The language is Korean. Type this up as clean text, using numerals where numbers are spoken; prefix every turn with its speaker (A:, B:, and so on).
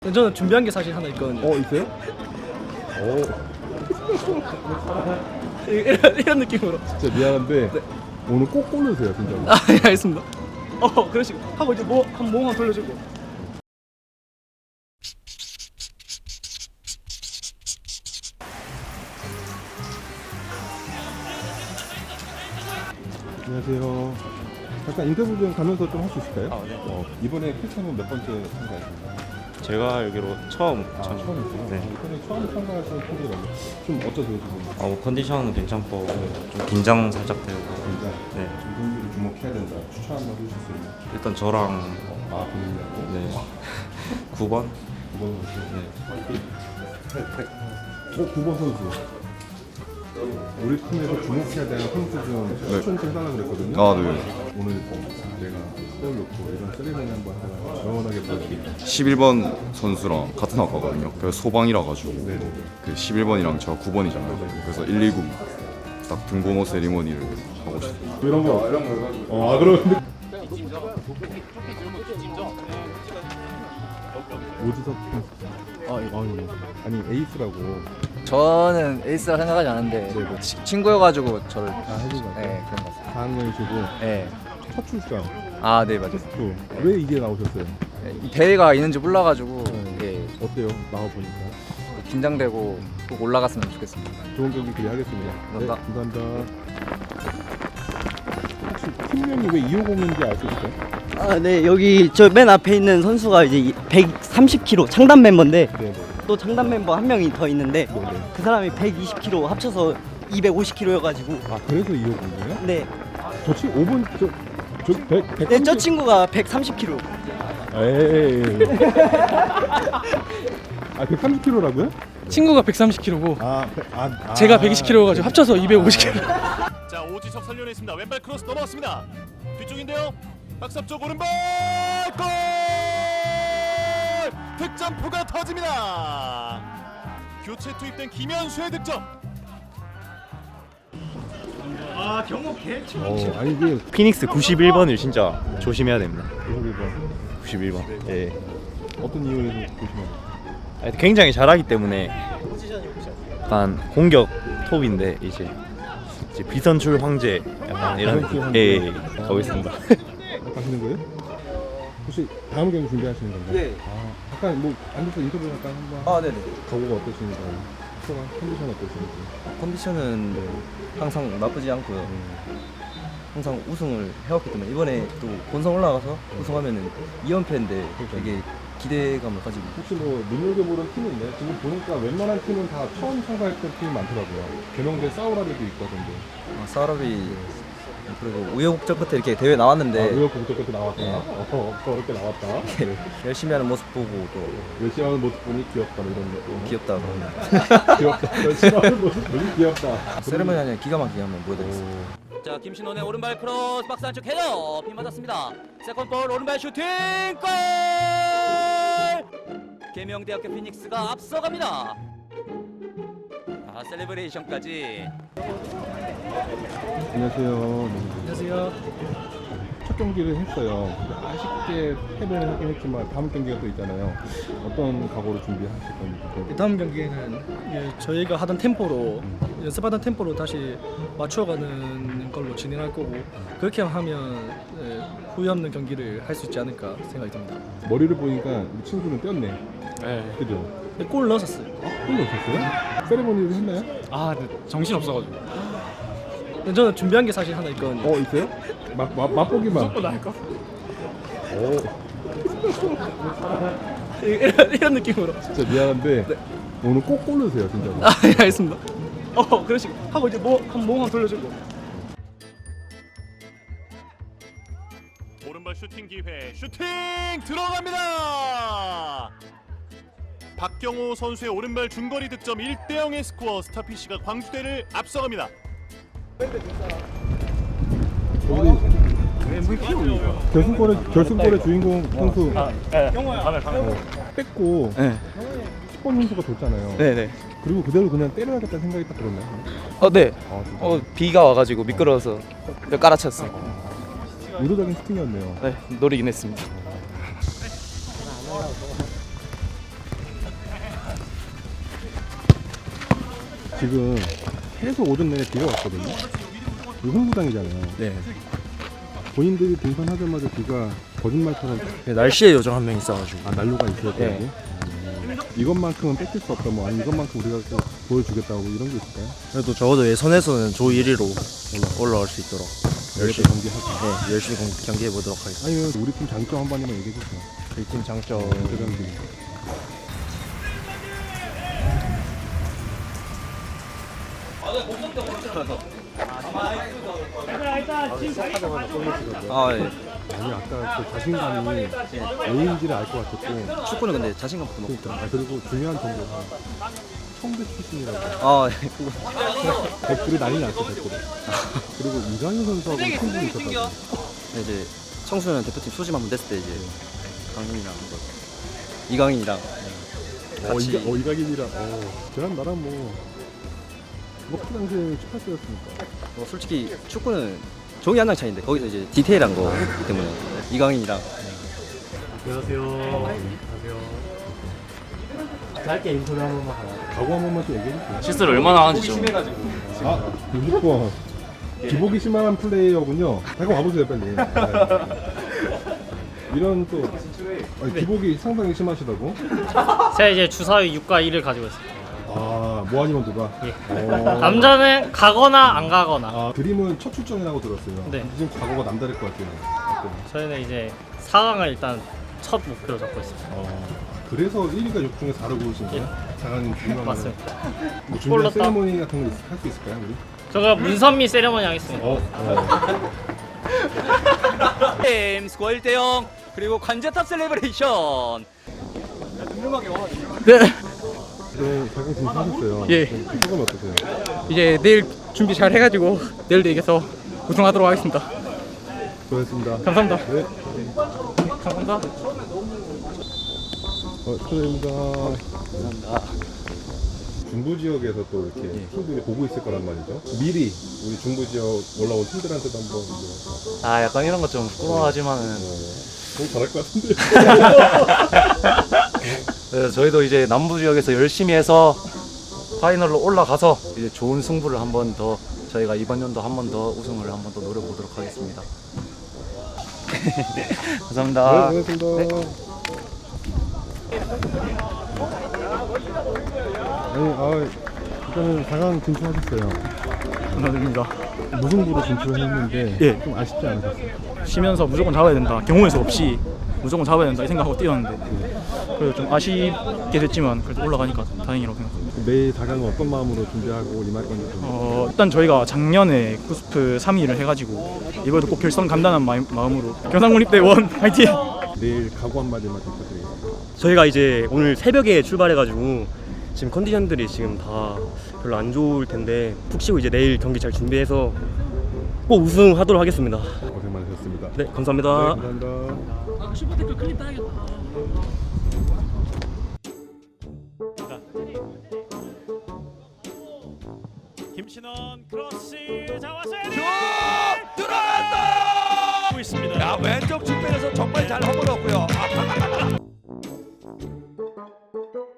A: 저는 준비한 게 사실 하나 있거든요.
B: 있어요?
A: 이런 느낌으로.
B: 진짜 미안한데
A: 네.
B: 오늘 꼭 고르세요 진짜로.
A: 예, 알겠습니다. 그런 식으로 하고 이제 한 몸 돌려주고.
B: 안녕하세요. 잠깐 인터뷰 좀 가면서 좀 할 수 있을까요?
C: 네.
B: 이번에 퀴즈는 몇 번째 참가하셨나요?
C: 제가 알기로 처음
B: 처음이세요?
C: 네.
B: 이번에 처음 참가하시는 퀴즈라고 좀 어떠세요 지금?
C: 컨디션은 괜찮고 좀 긴장 살짝 되고.
B: 진짜
C: 네.
B: 이 경기를 주목해야 된다. 추천 한번 해주실 수 있나요?
C: 일단 저랑
B: 본인이라고?
C: 네. 9번.
B: 9번 선수.
C: 네.
B: 9번 선수. 우리 팀에서 주목해야 되는 선수 좀 추천 좀 해달라고 그랬거든요.
D: 네.
B: 오늘 내가 떠올렸고 이런 세리머니 한번 하나 영원하게 보여드릴게요.
D: 11번 선수랑 같은 학과거든요. 그래서 소방이라 가지고
B: 네네.
D: 그 11번이랑 저 9번이잖아요. 그래서 119 딱 등번호 세리머니를 하고 싶어요.
B: 이런 거 해가지고. 그러는데 오지석 아니 에이스라고.
E: 저는 에이스라 생각하지 않는데
B: 네네.
E: 친구여가지고 저를
B: 해준 거 같아요.
E: 네 그런 것 같습니다.
B: 4학년이시고
E: 네.
B: 첫 출장
E: 네 맞아요.
B: 왜 이게 나오셨어요?
E: 이 대회가 있는지 몰라가지고
B: 네. 어때요? 나와보니까
E: 긴장되고 꼭 올라갔으면 좋겠습니다.
B: 좋은 경기 기대하겠습니다.
E: 감사합니다.
B: 감사합니다. 혹시 팀명이 왜 250인지 알 수 있어요?
F: 네, 여기 저 맨 앞에 있는 선수가 이제 130kg 창단 멤버인데
B: 네네.
F: 또 창단 멤버 한 명이 더 있는데
B: 네네.
F: 그 사람이 120kg 합쳐서 250kg여가지고
B: 그래서 250이에요?
F: 네,
B: 저 친구 5번 저 100.
F: 네, 저 친구가 130kg.
B: 에이. 130kg라고요?
A: 친구가 130kg고
B: 제가
A: 제가 120kg여가지고 합쳐서 250kg.
G: 자, 오지석 살려냈습니다. 왼발 크로스 넘어갔습니다. 뒤쪽인데요. 박스 쪽 오른발 골! 득점포가 터집니다. 교체 투입된 김현수의 득점.
B: 아니 이게
C: 피닉스 91번을 진짜 조심해야 됩니다.
B: 91번
C: 91번. 예.
B: 어떤 이유에서 조심해야
C: 굉장히 잘하기 때문에 약간 공격 톱인데 이제 비선출 황제 약간 이런
B: 비선출 황제.
C: 가고 있습니다.
B: 가시는 거예요? 혹시 다음 경기 준비하시는 건가요?
F: 네.
B: 잠깐 뭐 앉아서 인터뷰 잠깐 한번
E: 네네.
B: 각오가 어떠신가요? 소감, 컨디션 어떠신지.
E: 컨디션은 항상 나쁘지 않고요. 항상 우승을 해왔기 때문에 이번에 또 본선 올라가서 우승하면은 2연패인데 되게 기대감을 가지고
B: 혹시 뭐 눈여겨보는 팀이 있나요? 지금 보니까 웬만한 팀은 다 처음 참가했던 팀이 많더라고요. 개명된 사우라비도 있거든요.
E: 사우라비 그리고 우여곡절 끝에 이렇게 대회 나왔는데
B: 의욕 공격 끝에 나왔다.
E: 네.
B: 그렇게 나왔다. 네.
E: 열심히 하는 모습 보고 또
B: 열심히 하는 모습 보니 귀엽다 뭐 이런 느낌.
E: 귀엽다.
B: 귀엽다. 열심히 하는 모습 보니 귀엽다.
E: 세레머니 아니라 기가 막히게 한번 보여드리겠습니다.
H: 자, 김신원의 오른발 크로스 박스 안쪽 헤더 핀 맞았습니다. 세컨볼 오른발 슈팅 골! 계명대학교 피닉스가 앞서갑니다. 셀레브레이션까지.
B: 안녕하세요.
A: 안녕하세요.
B: 첫 경기를 했어요. 아쉽게 패배를 하긴 했지만 다음 경기가 또 있잖아요. 어떤 각오로 준비하실 건지.
A: 다음 경기에는 저희가 하던 템포로 연습하던 템포로 다시 맞춰가는 걸로 진행할 거고 그렇게 하면 후회 없는 경기를 할 수 있지 않을까 생각이 듭니다.
B: 머리를 보니까 우리 친구는 뛰었네.
A: 네.
B: 그죠?
A: 골 넣었었어요.
B: 골 넣었어요? 세레머니를 했나요?
A: 정신 없어가지고. 저는 준비한 게 사실 하나 있거든요.
B: 있어요? 맛보기만.
A: 무조건 나을 거. 이런 느낌으로.
B: 진짜 미안한데 오늘 꼭 고르세요 진짜로.
A: 예, 알겠습니다. 그런 식으로 하고 이제 한 몸 돌려주고.
G: 오른발 슈팅 기회. 슈팅 들어갑니다. 박경호 선수의 오른발 중거리 득점 1대0의 스코어. 스타피쉬가 광주대를 앞서갑니다.
B: 결승골의 주인공 선수 뺏고 10번 선수가 줬잖아요.
E: 네네.
B: 그리고 그대로 그냥 때려야겠다는 생각이 딱 들었나요?
E: 네.
B: 진짜.
E: 비가 와가지고 미끄러워서 깔아쳤어요.
B: 의도적인 슈팅이었네요.
E: 네, 노리긴 했습니다.
B: 지금 계속 오전 내내 비가 왔거든요. 이거 홍구장이잖아요.
E: 네.
B: 본인들이 등산하자마자 비가 거짓말처럼
E: 날씨에 요정 한 명 있어가지고.
B: 난로가 있어야 되고
E: 네.
B: 이것만큼은 뺏길 수 없다. 뭐 아니 이것만큼 우리가 또 보여주겠다고 이런 게 있을까요?
E: 그래도 적어도 예선에서는 조 1위로 올라올 수 있도록
B: 열심히 경기하고.
E: 네, 열심히 경기해 보도록 하겠습니다.
B: 아니면 우리 팀 장점 한 번만 얘기해 주세요.
E: 우리 팀 장점.
B: 대장님.
E: 아, 예.
B: 아니 아까 그 자신감이 왜인지를 알 것 같았고.
E: 축구는 근데 자신감부터 높고.
B: 그러니까 그리고 중요한 정보가 청대 출신이라고
E: 아, 예. 그거.
B: 댓글이 난리 났어 댓글이. 그리고 이강인 선수하고 친분이 있었다고.
E: 이제 청소년 대표팀 소집 한번 됐을 때 이제 강민이랑 이강인이랑 같이
B: 이강인이랑 걔랑 나랑 그 당시에 18세였으니까.
E: 솔직히 축구는 종이 한 장 차이인데 거기서 이제 디테일한 거기 때문에 이강인이랑
B: 각오 한 번만 좀 얘기해 주세요.
I: 실수를 얼마나 하는지 좀.
B: 아, 60번. 기복이 심한 플레이어군요. 잠깐 와보세요, 빨리. 네. 이런 또 기복이 상당히 심하시다고?
I: 제가 이제 주사위 6과 1을 가지고 있습니다.
B: 아, 모아니면 누가?
I: 남자는 가거나 안 가거나.
B: 아, 드림은 첫 출전이라고 들었어요.
I: 네.
B: 지금 과거가 남다를 것 같아요. 어때요?
I: 저희는 이제 4강을 일단 첫 목표로 잡고 있습니다.
B: 그래서 1위가 6 중에 4로 고르신 거예요? 장관님 중요한
I: 맞습니다.
B: 뭐 준비한
I: 골랐다.
B: 세리머니 같은 거 할 수 있을까요, 우리?
I: 제가 문선미 세레머니 하겠습니다.
H: 게임 스코어 1대0 그리고 관제탑 셀레브레이션.
B: 네, 자기 지금 하셨어요.
J: 예.
B: 소감이 어떠세요?
J: 이제 내일 준비 잘 해가지고 내일도 이겨서 우승하도록 하겠습니다.
B: 수고하셨습니다.
J: 감사합니다.
B: 네.
J: 감사합니다.
B: 축하드립니다. 감사합니다. 중부 지역에서 또 이렇게 팀들이 보고 있을 거란 말이죠. 미리 우리 중부 지역 올라온 팀들한테도 한번
C: 아 약간 이런 거 좀 부끄러워하지만은
B: 너무 잘할 것 같은데.
C: 그래서 저희도 이제 남부 지역에서 열심히 해서 파이널로 올라가서 이제 좋은 승부를 한 번 더 저희가 이번 연도 한 번 더 우승을 한 번 더 노려보도록 하겠습니다. 감사합니다.
B: 네, 고맙습니다. 아니, 일단은 4강 진출하셨어요.
J: 감사드립니다.
B: 무승부로 진출했는데
J: 예.
B: 좀 아쉽지 않으셨어요?
J: 쉬면서 무조건 잡아야 된다. 경우의 수 없이 무조건 잡아야 된다 이 생각하고 뛰었는데 그래도 좀 아쉽게 됐지만 그래도 올라가니까 다행이라고 생각합니다.
B: 매일 4강은 어떤 마음으로 준비하고 임할 건지 좀.
J: 일단 저희가 작년에 쿠스프 3위를 해가지고 이번에도 꼭 결선 간다는 마음으로 경상국립대 원 화이팅!
B: 내일 각오 한마디만 부탁드리겠습니다.
F: 저희가 이제 오늘 새벽에 출발해가지고 지금 컨디션들이 지금 다 별로 안 좋을 텐데 푹 쉬고 이제 내일 경기 잘 준비해서 꼭 우승하도록 하겠습니다.
B: 고생 많으셨습니다.
F: 네, 감사합니다.
B: 네, 감사합니다.
I: 슈퍼테크 클립 따야겠다. 김신원 크로스 잡았어요. 들어갔다. 있습니다.
H: 야, 왼쪽 측면에서 정말 잘 허물었고요.